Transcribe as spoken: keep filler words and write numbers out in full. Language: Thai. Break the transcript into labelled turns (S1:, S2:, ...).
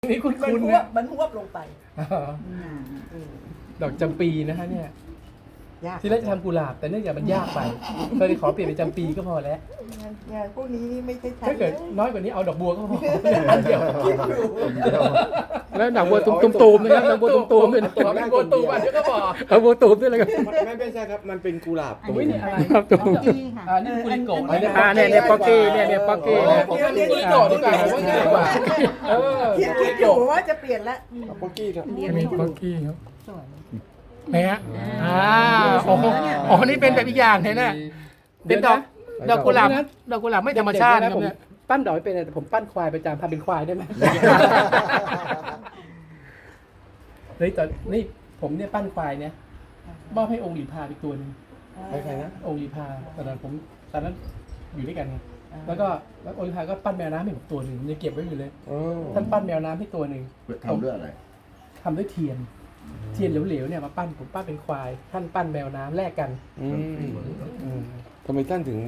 S1: นี่คุณ
S2: มัน
S1: คุณ
S2: หว
S1: นะ
S2: บมันหวบลงไป
S1: ดอกจำปีนะฮะเนี่ย
S2: ยาก
S1: ที่แรกจะทำกุหลาบแต่เนื่องจากมันยากไปก็เลยขอเปลี่ยนเป็นจำปีก็พอแล้ว
S2: งานพวกนี้นี่ไม่ใช่ฉัน
S1: ถ้าเกิด
S2: ลย
S1: น้อยกว่านี้เอาดอกบัวก็พออันเดียว
S3: แล้วดอกบัวตุ้มๆนะครับดอกบัวตุ้มๆด้วยนะ
S1: ตัวเป็นบัวตูมอันเดียวก็พอ
S3: เอาบัวตุ้มด้วยเลยครับ
S4: ไม่ไม่ใช่ครับ มันเป็นกุหลาบ
S1: อันนี้เนี่ยอะไร
S3: ครับตุ้ม
S5: กี้ค่ะ
S1: อ่านี่กุลิโกะ
S2: อันนี้
S3: อ่าเนี่ยเนี่ยป๊อกกี้เนี่ยเนี่ยป๊อกกี้
S1: โอ้
S3: เนี่ย
S1: ผมทำกุลิโกะดีกว่าผมว่าง่ายกว่าเออ
S2: คิดคิดอยู่ว่าจะเปลี่ยนละ
S4: ป๊อกกี้ครับ
S3: อันนี้ป๊อกกี้ครับ
S5: สวย
S3: ไหนฮะอ่าโอ้โหอ๋อนี่เป็นแบบอีกอย่างเห็นไหมเป็นดอกดอกกุหลาบดอกกุหลาบไม่ธรรมชาติ
S1: เด็กๆ
S3: ค
S1: นะผม
S3: รับเนี่ย
S1: ปั้นดอกไม่เป็นแต่ผมปั้นควายประจำพาเป็นควายได้ไหมเฮ้ยตอนนี่ผมเนี่ยปั้นควายเนี่ยมอบให้องค์หลีพาอีกตัวหนึง
S4: ใครๆนะ
S1: องค์หลีพาตอนนั้นผมตอนนั้นอยู่ด้วยกันไงแล้วก็แล้วองค์หลีพาก็ปั้นแมวน้ำให้ผมตัวหนึ่งยังเก็บไว้อยู่เลย
S4: อ๋อ
S1: ท่านปั้นแมวน้ำให้ตัวหนึ่ง
S6: ทำด้วยอะไร
S1: ทำด้วยเทียน เทียนเหลวๆเนี่ยมาปั้นผมปั้นเป็นควาย ท่านปั้นแมวน้ำแลกกัน
S4: อืม
S1: อืม
S4: ทำไมท่านถึง